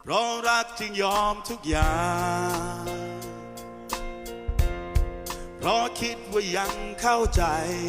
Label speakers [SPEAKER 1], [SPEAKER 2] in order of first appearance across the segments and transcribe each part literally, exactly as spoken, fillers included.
[SPEAKER 1] เพราะรักจึงยอมทุกอย่างเพราะคิดว่ายังเข้าใจ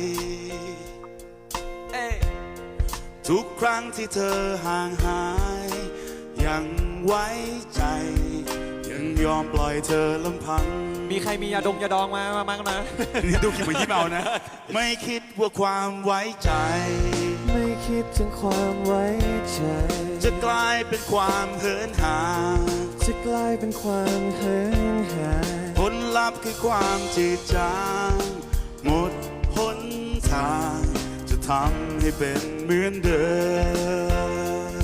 [SPEAKER 1] ทุกครั้งที่เธอห่างหายยังไว้ใจยังยอมปล่อยเธอลำพัง
[SPEAKER 2] มีใครมียาดมยาดองมามามามา
[SPEAKER 1] นี่ดูคิดเหมือนที่เมานะไม่คิดว่าความไว้ใจ
[SPEAKER 3] ไม่คิดถึงความไว้ใจ
[SPEAKER 1] จะกลายเป็นความเหินห่าง
[SPEAKER 3] จะกลายเป็นความเหินห่าง
[SPEAKER 1] ผลลัพธ์คือความจืดจางหมดหนทางจะทำให้เป็นเหมือนเดิม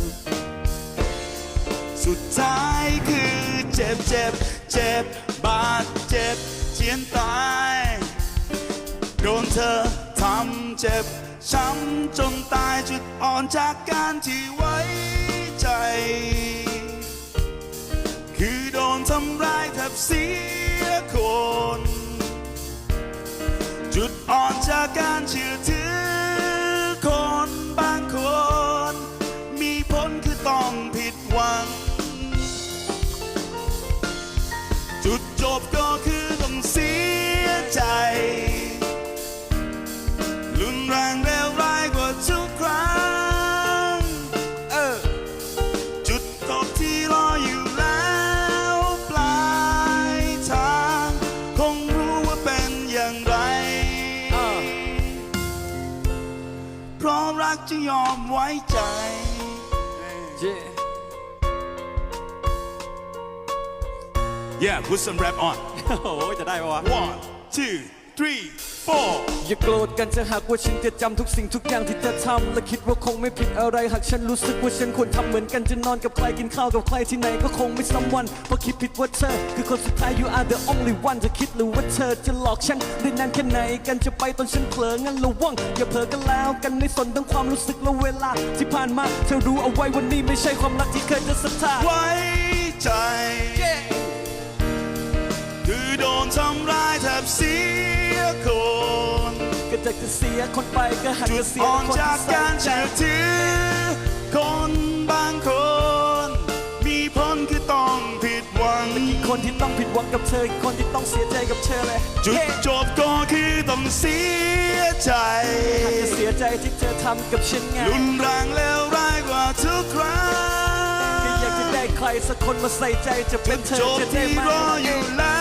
[SPEAKER 1] สุดท้ายคือเจ็บเจ็บเจ็บบาดเจ็บเจียนตายโดนเธอทำเจ็บช้ำจนตายจุดอ่อนจากการที่ไว้ใจคือโดนทำร้ายแทบเสียคนจุดอ่อนจากการเชื่อถือคนบางคนมีผลคือต้องผิดหวังจุดจบก็คือต้องเสียใจรุนแรงเลวร้ายกว่าทุกครั้งเออจุดจบที่รออยู่แล้วปลายทางคงรู้ว่าเป็นอย่างไรเพราะรักจะยอมไว้ใจ Yeah put some rap on
[SPEAKER 2] โอ้จะได้ปะวะ
[SPEAKER 1] one two three four
[SPEAKER 3] อย่าโกรธกันจะหากว่าฉันจะจำทุกสิ่งทุกอย่างที่เธอทำและคิดว่าคงไม่ผิดอะไรหากฉันรู้สึกว่าฉันควรทำเหมือนกันจะนอนกับใครกินข้าวกับใครที่ไหนก็คงไม่ซ้ำวันเพราะคิดผิดว่าเธอคือคนสุดท้าย you are the only one จะคิดหรือว่าเธอจะหลอกฉันได้นานแค่ไหนกันจะไปตอนฉันเผลองั้นระวังอย่าเผลอกันแล้วกันในส่วนทั้งความรู้สึกและเวลาที่ผ่านมาเธอรู้เอาไว้วันนี้ไม่ใช่ความรักที่เคยจะศรัทธา
[SPEAKER 1] ไว้ใจคือโดนทำร้ายแทบเสียคน
[SPEAKER 3] ก็จะจะเสียคนไปก็หันจะเสียคน
[SPEAKER 1] ที่จากการเชื่อถือคนบางคนมีผลคือต้องผิดหวัง
[SPEAKER 3] อีกคนที่ต้องผิดหวังกับเธออีกคนที่ต้องเสียใจกับเธอเลย
[SPEAKER 1] จุดจบก็คือต้องเสียใจ
[SPEAKER 3] หันจะเสียใจที่เธอทำกับฉันไง
[SPEAKER 1] รุนแรงเลวร้ายกว่าทุกครั้ง
[SPEAKER 3] ก็อยากจะได้ใครสักคนมาใส่ใจจะเป็นเธอ
[SPEAKER 1] จะได้ไหมรออยู่แล้